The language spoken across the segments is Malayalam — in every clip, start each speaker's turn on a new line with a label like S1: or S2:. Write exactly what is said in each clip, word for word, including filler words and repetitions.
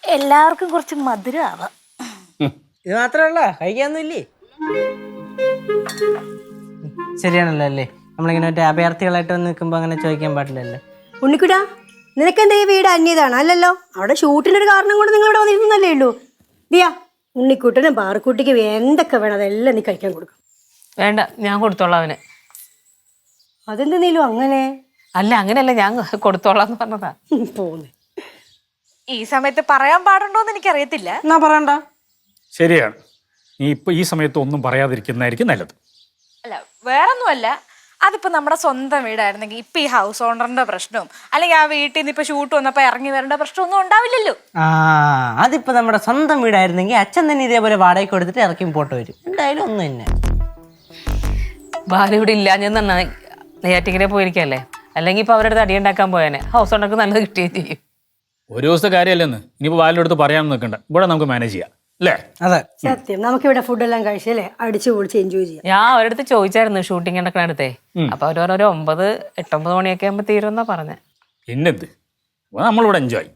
S1: എല്ലാവർക്കും കുറച്ച് മധുരമാവാം.
S2: ഇത് മാത്രമല്ല, കഴിക്കാനൊന്നുമില്ലേ? ശരിയാണല്ലോ അല്ലേ? നമ്മളിങ്ങനെ മറ്റേ അഭയാർത്ഥികളായിട്ട് വന്ന് നിൽക്കുമ്പോൾ അങ്ങനെ ചോദിക്കാൻ പാടില്ലല്ലോ.
S3: ഉണ്ണിക്കുടാ, നിനക്കെന്താ ഈ വീട് അന്യതാണ്? അല്ലല്ലോ, അവിടെ ഷൂട്ടിനൊരു കാരണം കൊണ്ട് നിങ്ങൾ ഇവിടെ വന്നിരുന്നല്ലേ ഉള്ളൂ. ദിയാ, ഉണ്ണിക്കുട്ടനും പാറക്കുട്ടിക്കും എന്തൊക്കെ വേണം അതെല്ലാം നീ കഴിക്കാൻ കൊടുക്കും.
S4: വേണ്ട, ഞാൻ കൊടുത്തോളാം അവന്.
S3: അതെന്തെന്നീലും അങ്ങനെ?
S4: അല്ല, അങ്ങനെയല്ല, ഞാൻ കൊടുത്തോളാം എന്ന് പറഞ്ഞതാ.
S3: പോന്നെ.
S1: ഈ സമയത്ത് പറയാൻ പാടുണ്ടോന്ന് എനിക്കറിയത്തില്ല.
S2: എന്നാ പറയണ്ട.
S5: ശരിയാണ്. നീ ഇപ്പൊ ഈ സമയത്ത് ഒന്നും പറയാതിരിക്കുന്നതായിരിക്കും നല്ലത്.
S1: അല്ല, വേറൊന്നുമല്ല, അതിപ്പോ നമ്മുടെ സ്വന്തം വീടായിരുന്നെങ്കിൽ ഇപ്പൊ ഈ ഹൗസ് ഓണറിന്റെ പ്രശ്നവും അല്ലെങ്കിൽ ആ വീട്ടിൽ നിന്ന് ഇപ്പൊ ഷൂട്ട് വന്നപ്പോ ഇറങ്ങി വരേണ്ട പ്രശ്നമൊന്നും ഉണ്ടാവില്ലല്ലോ.
S2: ആ, അതിപ്പോ നമ്മുടെ സ്വന്തം വീടായിരുന്നെങ്കിൽ അച്ഛൻ തന്നെ ഇതേപോലെ വാടകയ്ക്ക് കൊടുത്തിട്ട് ഇറക്കി പോട്ട് വരും. എന്തായാലും ഒന്നും തന്നെ.
S4: ബാലു ഇവിടെ ഇല്ലാഞ്ഞെന്ന് നെയ്യാറ്റിക്കരെ പോയിരിക്കല്ലേ, അല്ലെങ്കിൽ ഇപ്പൊ അവരുടെ അടുത്ത് അടിയുണ്ടാക്കാൻ പോയാനെ. ഹൗസ് ഓണർക്ക് നല്ലത് കിട്ടുകയും ചെയ്യും.
S5: ഒരു ദിവസത്തെ കാര്യമല്ലെന്ന് ഇനിയിപ്പോൾ വാലിൻ്റെ അടുത്ത് പറയാൻ നിൽക്കണ്ട. ഇവിടെ നമുക്ക് മാനേജ് ചെയ്യാം അല്ലേ?
S2: അതെ,
S3: സത്യം. നമുക്കിവിടെ ഫുഡെല്ലാം കഴിച്ചല്ലേ അടിച്ചു പൊളിച്ച് എൻജോയ് ചെയ്യാം.
S4: ഞാൻ അവരുടെ അടുത്ത് ചോദിച്ചായിരുന്നു ഷൂട്ടിംഗ് നടക്കണ അടുത്തേ. അപ്പൊ അവർ ഓരോ ഒമ്പത് എട്ടൊമ്പത് മണിയൊക്കെ ആകുമ്പോ തീരുമെന്നാ പറഞ്ഞേ.
S5: പിന്നെന്ത്, നമ്മളിവിടെ എൻജോയ്.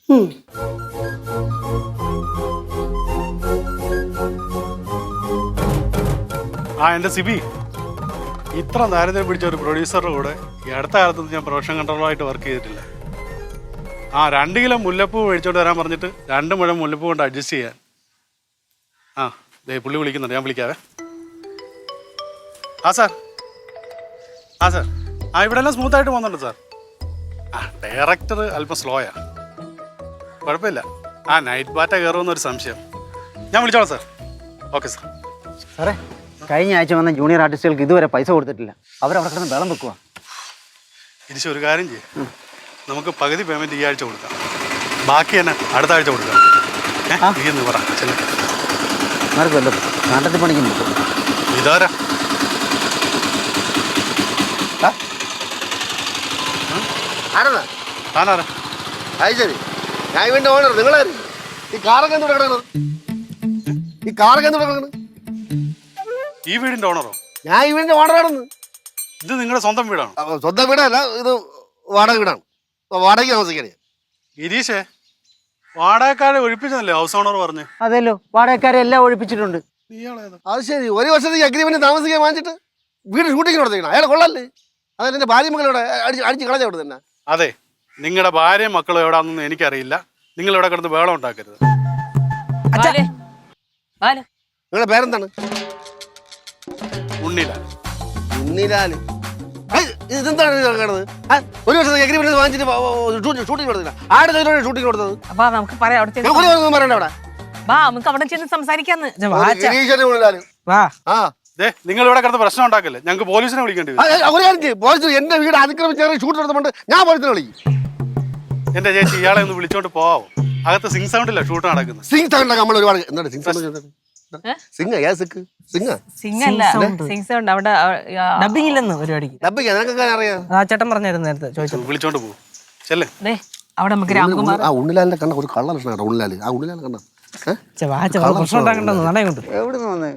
S6: ആ എൻ്റെ സിബി, ഇത്ര നേരത്തെ പിടിച്ച ഒരു പ്രൊഡ്യൂസറുടെ കൂടെ ഈ അടുത്ത കാലത്തൊന്നും ഞാൻ പ്രൊഡക്ഷൻ കൺട്രോളറായിട്ട് വർക്ക് ചെയ്തിട്ടില്ല. ആ രണ്ട് കിലോ മുല്ലപ്പൂ മേടിച്ചോണ്ട് വരാൻ പറഞ്ഞിട്ട് രണ്ട് മുഴം മുല്ലപ്പൂ കൊണ്ട് അഡ്ജസ്റ്റ് ചെയ്യാൻ. ആ ദേ പുള്ളി വിളിക്കുന്നുണ്ട്, ഞാൻ വിളിക്കാവേ. ആ സാർ, ആ സാർ, ആ ഇവിടെ എല്ലാം സ്മൂത്തായിട്ട് പോകുന്നുണ്ട് സാർ. ആ ഡയറക്ടർ അല്പം സ്ലോയാ, കുഴപ്പമില്ല. ആ നൈറ്റ് ബാറ്റ കയറുമെന്നൊരു സംശയം. ഞാൻ വിളിച്ചോളാം സാർ. Okay sir.
S7: സാറേ, കഴിഞ്ഞ ആഴ്ച വന്ന ജൂനിയർ ആർട്ടിസ്റ്റുകൾക്ക് ഇതുവരെ പൈസ കൊടുത്തിട്ടില്ല. അവരവിടെ കിടന്ന് വെള്ളം വെക്കുക.
S6: ഇരിച്ച് ഒരു കാര്യം ചെയ്യും, നമുക്ക് പകുതി പേയ്മെൻറ്റ് ഈ ആഴ്ച കൊടുക്കാം, ബാക്കി തന്നെ അടുത്ത ആഴ്ച കൊടുക്കാം. ഏന്ന് പറ ചെല്ലു.
S7: ആർക്കുമല്ലോ നാട്ടത്തിൽ പണിക്കുന്നു.
S6: ഇതാരാ? താനാരാ?
S8: അത് ശരി, ഞാൻ ഇവന്റെ ഓണർ. നിങ്ങളാര്? ഈ കാറൊക്കെ എന്ത് കിടക്കുന്നത്? ഈ കാറൊക്കെ എന്ത് കിടക്കുന്നത്?
S6: ഈ വീടിന്റെ ഓണറോ?
S8: ഞാൻ ഇവന്റെ ഓണറാണെന്ന്.
S6: ഇത് നിങ്ങളുടെ സ്വന്തം വീടാണ്?
S8: സ്വന്തം വീടല്ല, ഇത് വാടക വീടാണ്. വാടകയ്ക്ക് താമസിക്കണേ.
S6: ഗിരീഷേ, വാടകക്കാരെ ഒഴിപ്പിച്ചതല്ലേ ഹൗസ് ഓണർ പറഞ്ഞു?
S7: അതെല്ലോ, വാടകക്കാരെ എല്ലാം ഒഴിപ്പിച്ചിട്ടുണ്ട്.
S8: അത് ശരി, ഒരു വർഷത്തേക്ക് അഗ്രിമെന്റ് താമസിക്കാൻ വാങ്ങിച്ചിട്ട് വീട് ഷൂട്ടിങ്ങിന് കൊടുത്തേക്കണം. അയാൾ കൊള്ളല്ലേ? അതായത് എന്റെ ഭാര്യ മക്കളോടെ അടിച്ച് അടിച്ച് കളഞ്ഞ അവിടെ തന്നെ.
S6: അതെ, നിങ്ങളുടെ ഭാര്യയും മക്കളും എവിടാന്നൊന്നും എനിക്കറിയില്ല. നിങ്ങൾ ഇവിടെ കിടന്ന് വേളം ഉണ്ടാക്കരുത്.
S8: നിങ്ങളുടെ പേരെന്താണ്?
S6: ഉണ്ണിലാൽ.
S8: ഉണ്ണിലാൽ. ഇതെന്താണ് കിടന്നത്? ഒരു വർഷത്തേക്ക് അഗ്രിമെന്റ് വാങ്ങിച്ചിട്ട് ഷൂട്ടിങ് കൊടുത്തില്ല. ആരുടെ കയ്യിലാണ് ഷൂട്ടിങ് കൊടുത്തത്?
S4: അപ്പൊ നമുക്ക് പറയാം, അവിടെ ചെന്ന്
S8: പറയണ്ട. അവിടെ
S4: വാ, നമുക്ക് അവിടെ ചെന്ന് സംസാരിക്കാന്ന്.
S6: നിങ്ങൾ ഇവിടെ കിടന്ന് പ്രശ്നം ഉണ്ടാക്കല്ലേ, ഞങ്ങൾക്ക് പോലീസിനെ വിളിക്കേണ്ടി വരും.
S8: പോലീസ് എന്റെ വീട് അതിക്രമിച്ച് ഷൂട്ട് നടത്തുന്നുണ്ട്, ഞാൻ പോലീസിനെ വിളിക്കും.
S6: എന്റെ ചേച്ചി, ഇയാളെ ഒന്ന് വിളിച്ചോണ്ട് പോവാമോ? അകത്ത് സിംഗ് സൗണ്ടില്ല ഷൂട്ട് നടക്കുന്നത്.
S8: സിംഗ് സൗണ്ട് നമ്മൾ ഒരുപാട് എന്താണ് സിംഗ് സൗണ്ട്? സിംഗ് ഏ സിക്ക് സിംഗ്
S4: സിംഗ് അല്ല, സിംഗ് സൗണ്ട് അവിടെ
S2: ഡബിങ് ഇല്ലെന്ന് പരിപാടിക്ക്.
S8: ഡബിങ് നിനക്കൊക്കെ അറിയാം.
S2: ആ ചേട്ടൻ പറഞ്ഞായിരുന്നു നേരത്തെ, ചോദിച്ചു.
S6: വിളിച്ചോണ്ട് പോകും. ചെല്ലേ,
S4: അവിടെ നമുക്ക് രാംകുമാർ.
S8: ആ ഉണ്ണിലാലിന്റെ കണ്ട ഒരു കള്ള ലക്ഷണം. ഉണ്ണിലാൽ, ആ ഉണ്ണിലാൽ കണ്ട
S2: പ്രശ്നം ഉണ്ടാക്കണ്ടെന്ന് നട കൊണ്ട്
S8: എവിടെ നിന്ന് വന്നേ?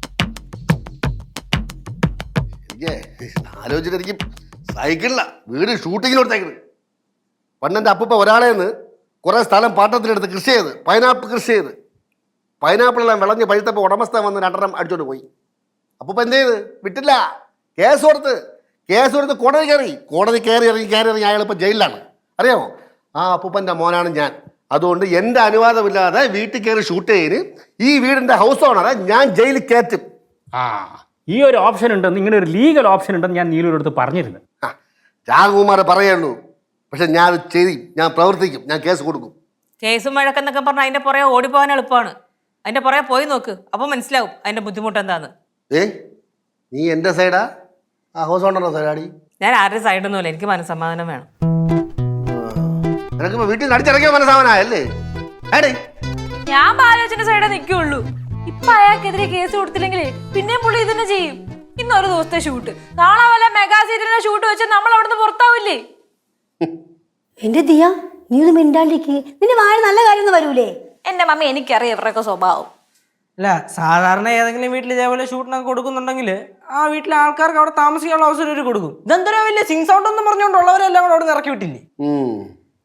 S8: ആലോചിച്ചിട്ട് എനിക്ക് സൈക്കിളില്ല വീട് ഷൂട്ടിങ്ങിന് കൊടുത്തേക്കുന്നത്. പണ്ടെൻ്റെ അപ്പൂപ്പ ഒരാളെ നിന്ന് കുറേ സ്ഥലം പാട്ടത്തിലെടുത്ത് കൃഷി ചെയ്ത് പൈനാപ്പിൾ കൃഷി ചെയ്ത് പൈനാപ്പിളെല്ലാം വിളഞ്ഞ് പഴുത്തപ്പോൾ ഉടമസ്ഥൻ വന്ന് രണ്ടെണ്ണം അടിച്ചോണ്ട് പോയി. അപ്പൂപ്പ എന്ത് ചെയ്ത്? വിട്ടില്ല, കേസ് കൊടുത്ത് കേസ് കൊടുത്ത് കോടതി കയറി കോടതി കയറി ഇറങ്ങി കയറി ഇറങ്ങി അയാൾ ഇപ്പോൾ ജയിലിലാണ്. അറിയാമോ? ആ അപ്പൂപ്പൻ്റെ മോനാണ് ഞാൻ. അതുകൊണ്ട് എൻ്റെ അനുവാദമില്ലാതെ വീട്ടിൽ കയറി ഷൂട്ട് ചെയ്ത് ഈ വീടിൻ്റെ ഹൗസ് ഓണറെ ഞാൻ ജയിലിൽ കയറ്റും.
S5: ആ, ഈ ഒരു ഓപ്ഷൻ ഉണ്ടെന്ന്, ഇങ്ങനെ ഒരു ലീഗൽ ഓപ്ഷൻ ഉണ്ടെന്ന് ഞാൻ നീലൂരുടെ അടുത്ത് പറഞ്ഞിരുന്നു.
S8: ആ, രാഘുകുമാരെ പറയുള്ളൂ, പക്ഷെ ഞാൻ അത് ചെയ്യും, ഞാൻ പ്രവർത്തിക്കും, ഞാൻ കേസ് കൊടുക്കും.
S4: കേസും വഴക്കെന്നൊക്കെ പറഞ്ഞാൽ അതിന്റെ പുറകെ ഓടിപ്പോകാൻ എളുപ്പമാണ്. അതിന്റെ പുറകെ പോയി നോക്ക്, അപ്പൊ മനസ്സിലാവും അതിന്റെ ബുദ്ധിമുട്ട് എന്താന്ന്.
S8: ഏ നീ എൻ്റെ സൈഡാ ആ ഹൗസ് ഓണറുടെ സൈഡാടി?
S4: ഞാൻ ആരുടെ സൈഡൊന്നുമില്ല, എനിക്ക് മനസ്സമാധാനം വേണം.
S8: നിനക്കിപ്പോ വീട്ടിൽ നിന്ന് അടിച്ചിറങ്ങിയ മനസ്സാവനായല്ലേ? ഏടേ,
S1: ഞാൻ ബാലോചന്റെ സൈഡേ നിൽക്കുള്ളൂ. ഇപ്പൊ അയാൾക്കെതിരെ കേസ് കൊടുത്തില്ലെങ്കിൽ പിന്നെയും പുള്ളി ഇതന്നെ ചെയ്യും. ഇന്നൊരു ദിവസത്തെ ഷൂട്ട്, നാളെ വല്ല മെഗാ സീരിയലിന്റെ ഷൂട്ട് വെച്ചാൽ നമ്മൾ അവിടുന്ന് പുറത്താവില്ലേ?
S3: എന്റെ ദിയ, നീ ഒന്ന് മിണ്ടാണ്ടിക്ക്. നിന്റെ വായ നല്ല കാര്യം വരൂലേ?
S1: എന്റെ മമ്മി, എനിക്കറിയാം ഇവരുടെയൊക്കെ സ്വഭാവം.
S2: അല്ല, സാധാരണ ഏതെങ്കിലും വീട്ടിൽ ഇതേപോലെ ഷൂട്ടിനൊക്കെ കൊടുക്കുന്നുണ്ടെങ്കിൽ ആ വീട്ടിലെ ആൾക്കാർക്ക് അവിടെ താമസിക്കാനുള്ള അവസരം ഒരു കൊടുക്കും. ഇതെന്തൊരു വലിയ സിംഗ് സൗണ്ട് എന്ന് പറഞ്ഞുകൊണ്ടുള്ളവരെല്ലാം കൂടെ അവിടെ ഇറക്കി വിട്ടില്ലേ?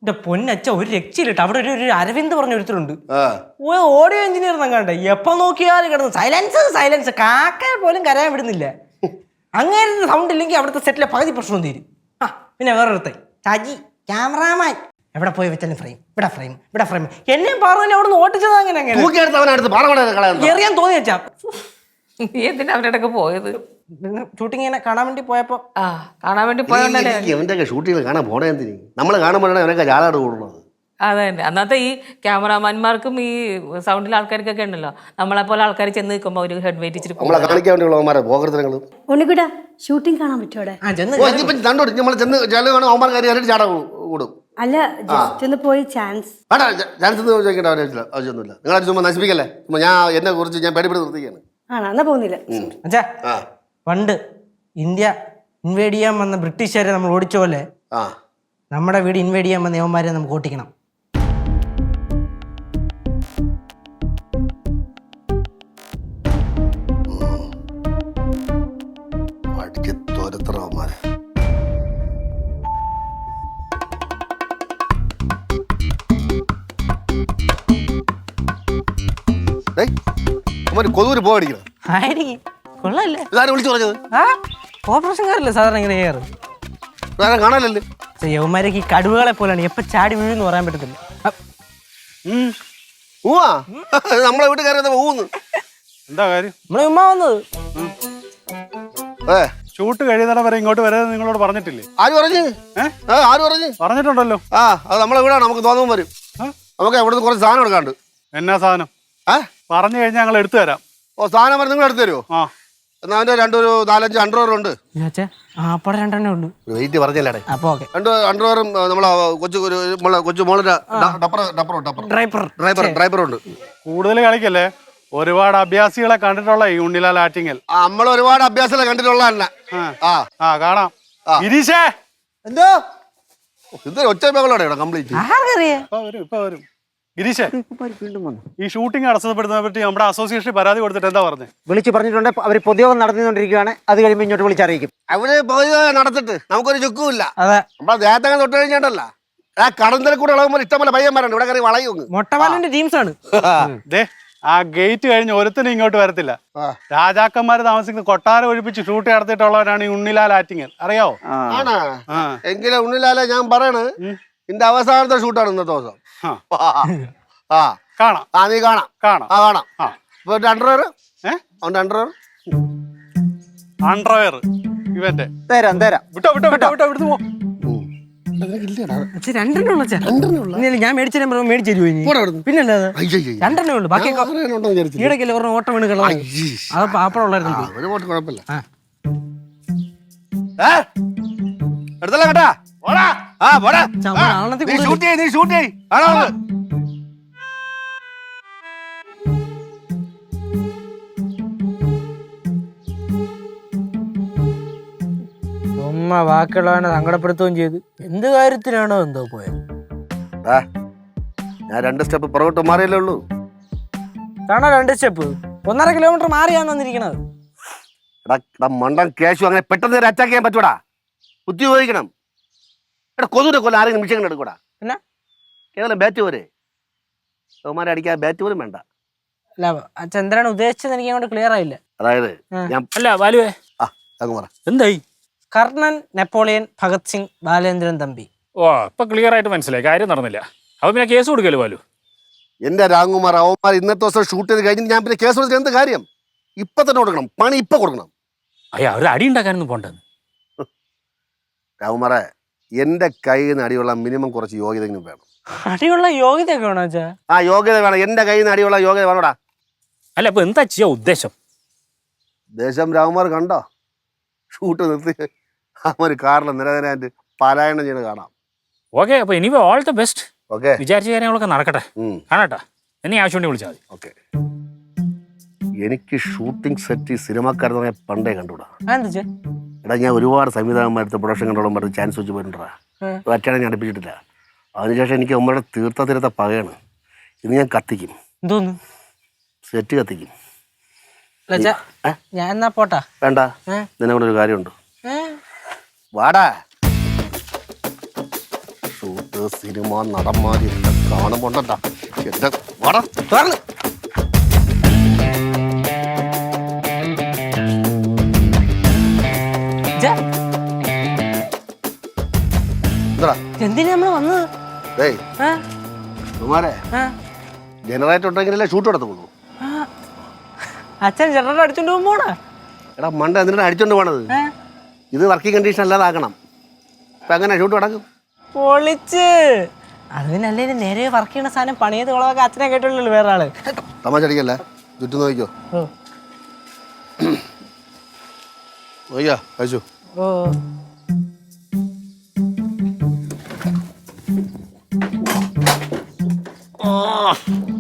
S2: എന്റെ പൊന്നച്ച ഒരു രക്ഷയിലിട്ട് അവിടെ ഒരു ഒരു അരവിന്ദ് പറഞ്ഞ ഒരുത്തരുണ്ട്
S8: ആ
S2: ഓഡിയോ എഞ്ചിനീയർ കണ്ടേ എപ്പൊ നോക്കിയാലും കിടന്നു സൈലൻസ് സൈലൻസ് കാക്ക പോലും കരയാൻ വിടുന്നില്ല. അങ്ങനെ സൗണ്ട് ഇല്ലെങ്കിൽ അവിടുത്തെ സെറ്റിലെ പകുതി പ്രശ്നം തീരും. ആ പിന്നെ വേറൊരുത്തൻ സജി ക്യാമറാമാൻ എവിടെ പോയി വെച്ചാലും ഫ്രെയിം ഇവിടെ ഫ്രെയിം ഇവിടെ ഫ്രെയിം എന്നെ പറഞ്ഞു അവിടെ നിന്ന് ഓട്ടിച്ചത് അങ്ങനെ അങ്ങനെ
S8: തൂക്കിയെടുത്ത് അവനടുത്ത് പാറ കളയാൻ
S2: എറിയാൻ തോന്നി വെച്ചാ
S4: നീ എന്തിനാ അവരുടെ പോയത്?
S2: ഷൂട്ടിങ് ഇങ്ങനെ കാണാൻ വേണ്ടി പോയപ്പോ
S4: ആ കാണാൻ വേണ്ടി പോയോണ്ടല്ലേ.
S8: അവൻ്റെ ഷൂട്ടിങ് കാണാൻ പോണേ എന്തിന് നമ്മൾ കാണുമ്പോഴാണ് അവനൊക്കെ ജാലാട് കൂടുന്നത്.
S4: അതെ തന്നെ അന്നത്തെ ഈ ക്യാമറാമാന്മാർക്കും ഈ സൗണ്ടിലെ ആൾക്കാർക്കൊക്കെ ഉണ്ടല്ലോ നമ്മളെ പോലെ ആൾക്കാർ ചെന്ന് നിൽക്കുമ്പോൾ ഒരു ഹെഡ് വെയിറ്റ് ഇച്ചിരി
S8: നമ്മളെ കാണിക്കാൻ വേണ്ടിയുള്ള അവന്മാരെ പോകൃതങ്ങൾ.
S3: ഉണ്ണിക്കുട്ട ഷൂട്ടിംഗ് കാണാൻ പറ്റുമോ അവിടെ?
S2: ആ ചെന്ന്
S8: ഓ ഇതിപ്പം കണ്ടോടി നമ്മൾ ചെന്ന് ജല കാണും അവന്മാർ കാര്യം അറിയിട്ട് ചാടാ കൂടും.
S3: അല്ല ജസ്റ്റ് ഒന്ന് പോയി ചാൻസ്.
S8: വേണ്ട ചാൻസ് ചോദിക്കേണ്ട ആവശ്യമില്ല ആവശ്യമൊന്നുമില്ല. നിങ്ങളെ ചുമ്മാ നശിപ്പിക്കല്ലേ. ചുമ്മാ ഞാൻ എന്നെ കുറിച്ച് ഞാൻ പേടിപ്പെട്ട് നിർത്തിക്കാണ്.
S3: ആണോ എന്നാ പോകുന്നില്ല.
S2: അച്ഛാ
S8: ആ
S2: പണ്ട് ഇന്ത്യ ഇൻവേഡ് ചെയ്യാൻ വന്ന ബ്രിട്ടീഷുകാരെ നമ്മൾ ഓടിച്ച പോലെ
S8: ആ
S2: നമ്മുടെ വീട് ഇൻവേഡ് ചെയ്യാൻ വന്ന യവന്മാരെ നമുക്ക് ഓട്ടിക്കണം.
S8: അടിച്ച് തോരത്തറ അവന്മാരെ. കൊതൂര് പോകടിക്കണം.
S2: ആയിരിക്കും കൊള്ളല്ലേ.
S8: ഇതാരും വിളിച്ചു പറഞ്ഞത്?
S2: ആ ഓപ്പറേഷൻകാരല്ലേ സാധാരണ ഇങ്ങനെ ചെയ്യാറ്.
S8: ഇതാരും കാണാനല്ലേ.
S2: യവന്മാരൊക്കെ ഈ കടുവകളെ പോലെയാണ് എപ്പോൾ ചാടി വീഴുന്ന് പറയാൻ പറ്റത്തില്ല.
S8: ഊവാ നമ്മളെ വീട്ടിൽ കയറി ഊന്ന്
S6: എന്താ കാര്യം?
S2: നമ്മളെ ഉമ്മ വന്നത്
S8: ഏ
S6: ഷൂട്ട് കഴിയുന്നിടം വരെ ഇങ്ങോട്ട് വരാതെ നിങ്ങളോട് പറഞ്ഞിട്ടില്ലേ?
S8: ആര് പറഞ്ഞു?
S6: ഏ?
S8: ഏ ആര് പറഞ്ഞു?
S6: പറഞ്ഞിട്ടുണ്ടല്ലോ.
S8: ആ അത് നമ്മളെ വീടാണ്. നമുക്ക് തോന്നുമ്പോൾ വരും. നമുക്ക് എവിടുന്ന് കുറച്ച് സാധനം എടുക്കാണ്ട്.
S6: എന്നാ സാധനം?
S8: ഏ
S6: പറഞ്ഞു കഴിഞ്ഞാൽ ഞങ്ങൾ എടുത്തു തരാം.
S8: ഓ സാധനം വരെ നിങ്ങൾ എടുത്തു തരുമോ?
S6: ആ
S8: എന്നാ അവൻ്റെ രണ്ടൊരു നാലഞ്ച് അണ്ടർവെയർ ഉണ്ട്.
S2: ആ അപ്പടെ രണ്ടെണ്ണേ ഉള്ളൂ.
S8: വെയിറ്റ് പറഞ്ഞല്ലേ.
S2: അപ്പൊ ഓക്കെ
S8: രണ്ട് അണ്ടർവെയറും നമ്മളെ കൊച്ചു ഒരു നമ്മളെ കൊച്ചു മോളിന്റെ ഡപ്പർ ഡപ്പർ ഡപ്പർ
S2: ഡ്രൈവർ
S8: ഡ്രൈവർ ഡ്രൈവറുണ്ട്.
S6: കൂടുതൽ കളിക്കല്ലേ. ഒരുപാട് അഭ്യാസികളെ കണ്ടിട്ടുള്ള ഈ ഉണ്ണിലാൽ ആറ്റിങ്ങൽ.
S8: നമ്മൾ ഒരുപാട് അഭ്യാസം കണ്ടിട്ടുള്ള തന്നെ. ആ
S6: ആ കാണാം. ഗിരീഷേ
S8: എന്തോ ഇത് ഒറ്റ മകളോടെ കംപ്ലീറ്റ്.
S2: ആർക്കറിയാ
S6: ഇപ്പൊ വരും ഇപ്പൊ വരും. ഗിരീഷേ ഈ ഷൂട്ടിംഗ് തടസ്സപ്പെടുത്തുന്നതിനെ പറ്റി നമ്മുടെ അസോസിയേഷനിൽ പരാതി കൊടുത്തിട്ട് എന്താ പറഞ്ഞത്?
S7: വിളിച്ച് പറഞ്ഞിട്ടുണ്ട്. അവർ പൊതുയോഗം നടത്തിക്കൊണ്ടിരിക്കുകയാണ്. അത് കഴിയുമ്പോൾ ഇങ്ങോട്ട് വിളിച്ചറിയിക്കും.
S8: അവര് പൊതുയോഗം നടത്തിട്ട് നമുക്കൊരു ചുക്കുമില്ല.
S2: അതെ
S8: നമ്മളെ ദേഹത്തങ്ങ് തൊട്ട് കഴിഞ്ഞിട്ടല്ല ആ കടന്തൽ കൂടെ ഇളകുമ്പോൾ ഇഷ്ടംപോലെ പയ്യന്മാരുണ്ട്. ഇവിടെ കയറി വളയും.
S2: മൊട്ടവാലിന്റെ ടീംസ് ആണ്.
S6: ദേ ആ ഗേറ്റ് കഴിഞ്ഞ് ഒരുത്തനും ഇങ്ങോട്ട് വരത്തില്ല. രാജാക്കന്മാര് താമസിക്കുന്ന കൊട്ടാരം ഒഴിപ്പിച്ച് ഷൂട്ട് നടത്തിയിട്ടുള്ളവരാണ് ഈ ഉണ്ണിലാൽ ആറ്റിങ്ങൽ. അറിയാവോ?
S8: ആണോ? എങ്കിലും ഉണ്ണിലാലെ ഞാൻ പറയണ് നിന്റെ അവസാനത്തെ ഷൂട്ടാണ് ഇന്നത്തെ ദിവസം. ആ
S6: കാണാം.
S8: ആ നീ കാണാം
S6: കാണാം
S8: ആ കാണാം.
S6: ആ
S8: ഇപ്പൊ അണ്ടർവെയർ
S6: ഏ
S8: അവന്റെ അണ്ടർവെയർ
S6: അണ്ടർവെയർ ഇവന്റെ
S7: തരാം തരാം.
S6: വിട്ടോ വിട്ടോ വിട്ടോ വിട്ടോ ഇവിടുന്ന് പോ.
S2: രണ്ടെണ്ണേ ഉള്ളൂ അച്ഛാ. ഇല്ല, ഞാൻ മേടിച്ചു തരുമ്പോ മേടിച്ചു തരുമോ ഇനി? പിന്നല്ലാതെ രണ്ടെണ്ണേ ഉള്ളൂ. ബാക്കിയൊക്കെ ഈടക്കല്ലേ പറഞ്ഞ ഓട്ടം വീണ് കളഞ്ഞു. അത് പാപ്പടം ഉള്ളായിരുന്നു.
S8: ഒരു വോട്ട് കുഴപ്പമില്ല. എടുത്തല്ല കേട്ടാ. പോടാ. ആ പോടാ.
S2: ആളത്തിൽ
S8: നീ ഷൂട്ട് ചെയ്യ് നീ ഷൂട്ട് ചെയ്യ്. ആണോ?
S2: ഉമ്മ ബാക്കിയുള്ളവനെ സങ്കടപ്പെടുത്തുകയും ചെയ്ത് എന്ത് കാര്യത്തിനാണോ എന്തോ പോയത്.
S8: ഞാൻ രണ്ട് സ്റ്റെപ്പ് പുറകോട്ട് മാറിയല്ലേ ഉള്ളൂ.
S2: കാണോ രണ്ട് സ്റ്റെപ്പ് ഒന്നര കിലോമീറ്റർ മാറിയാന്ന് വന്നിരിക്കണത്.
S8: എടാ എടാ മണ്ടൻ കേശു അങ്ങനെ പെട്ടെന്ന് ഒരു അറ്റാക്ക് ചെയ്യാൻ പറ്റൂടാ. ബുദ്ധി ഉപയോഗിക്കണം. എടാ കൊതുവിനെ കൊല്ലം ആരെങ്കിലും നിമിഷങ്ങൾ എടുക്കൂടാ.
S2: പിന്നെ
S8: കേവലം ബാറ്റ് പോരെ. അവന്മാരെ അടിക്കാൻ ബാറ്റ് പോലും വേണ്ട.
S2: അല്ല അച്ഛൻ എന്തിനാണ് ഉദ്ദേശിച്ചത് എനിക്ക് അങ്ങോട്ട് ക്ലിയർ ആയില്ല.
S8: അതായത് ഞാൻ
S5: അല്ല ബാലുവേ
S8: ആ അങ്ങ് പറ.
S5: എന്തായി?
S2: കർണൻ, നെപ്പോളിയൻ, ഭഗത് സിംഗ്, ബാലേന്ദ്രൻ തമ്പി.
S5: ഓ ഇപ്പൊ ക്ലിയർ ആയിട്ട് മനസ്സിലായി. കാര്യം നടന്നില്ല. അപ്പൊ പിന്നെ കേസ് കൊടുക്കല്ലോ ബാലു.
S8: എന്റെ രാംകുമാർ അവന്മാർ ഇന്നത്തെ ദിവസം ഷൂട്ട് ചെയ്ത് കഴിഞ്ഞ് ഞാൻ പിന്നെ കേസ് കൊടുത്തിട്ട് എന്ത് കാര്യം? ഇപ്പൊ തന്നെ കൊടുക്കണം. പണി ഇപ്പൊ കൊടുക്കണം.
S5: അയ്യ അവര് അടി ഉണ്ടാക്കാനൊന്നും പോണ്ടെന്ന്.
S8: രാംകുമാറെ എന്റെ കയ്യിൽ നിന്ന് അടിയുള്ള മിനിമം കുറച്ച് യോഗ്യതയെങ്കിലും വേണം.
S2: അടിയുള്ള യോഗ്യതയൊക്കെ വേണോ വെച്ചാ?
S8: ആ യോഗ്യത വേണം. എന്റെ കയ്യിൽ നിന്ന് അടിയുള്ള യോഗ്യത വേണോടാ.
S5: അല്ല ഇപ്പൊ എന്താ ചെയ്യാ ഉദ്ദേശം?
S8: ദേശം രാംകുമാർ കണ്ടോ ഷൂട്ട് നിർത്തി അവൻ കാറിൽ നിരനിരായിട്ട് പലായനം ചെയ്യുന്നത് കാണാം.
S5: ഓക്കെ അപ്പൊ ഇനി ഓൾ ദ ബെസ്റ്റ്.
S8: ഓക്കെ
S5: വിചാരിച്ച കാര്യങ്ങളൊക്കെ നടക്കട്ടെ. കാണാട്ടാ. എന്നെ ആവശ്യമുണ്ടെങ്കിൽ വിളിച്ചാൽ മതി.
S8: ഓക്കെ. എനിക്ക് ഷൂട്ടിംഗ് സെറ്റ് സിനിമാക്കാരെന്ന് പറഞ്ഞാൽ പണ്ടേ കണ്ടുകൂടാ.
S2: എന്താ
S8: എടാ ഞാൻ ഒരുപാട് സംവിധാനന്മാരത്തെ പ്രൊഡക്ഷൻ കണ്ടോളം പറഞ്ഞ് ചാൻസ് വെച്ച് പോയിട്ടുണ്ടാ. അച്ഛനെ ഞാൻ അടുപ്പിച്ചിട്ടില്ല. അതിനുശേഷം എനിക്ക് അമ്മയുടെ തീർത്ത തീരത്ത പകയാണ്. ഇന്ന് ഞാൻ കത്തിക്കും.
S2: എന്തോന്ന്
S8: സെറ്റ് കത്തിക്കും.
S2: ഞാൻ എന്നാ പോട്ടാ.
S8: വേണ്ട, നിന്നെ കൊണ്ടൊരു കാര്യമുണ്ട്. വാടാ. ഷൂട്ട് സിനിമ നടന്മാരെല്ലാം കാണുമ്പോണ്ടാ എന്റെ വട
S2: തുറന്ന് ജാ,
S8: എന്താ
S2: എന്തിനാ നമ്മള് വന്നത്?
S8: ഏയ്
S2: ആ?
S8: കുമാരെ
S2: ആ?
S8: ജനറേറ്റർ ഉണ്ടെങ്കിലല്ലേ ഷൂട്ട് നടത്തുള്ളൂ.
S2: ആ. അച്ഛൻ ജനറൽ അടിച്ചോണ്ട് പോകുമ്പോടാ.
S8: എടാ മണ്ട എന്തിനാണ് അടിച്ചോണ്ട് പോണത്? ഇത് വർക്കിംഗ് കണ്ടീഷൻ അല്ലാതാക്കണം. ഇപ്പൊ എങ്ങനെ ഷൂട്ട് നടക്കും?
S2: പൊളിച്ച് അത് പിന്നെ അല്ലേ നേരെ വർക്ക് ചെയ്യണ സാധനം പണിയത് കുളമൊക്കെ അച്ഛനെ കേട്ടുള്ളൂ വേറെ ആള്.
S8: തമാശ അടിക്കല്ലേ, ചുറ്റും നോക്കിക്കോ.
S2: ഓ
S8: നോക്കിയാ കഴിച്ചു.
S2: ഓ
S8: ആ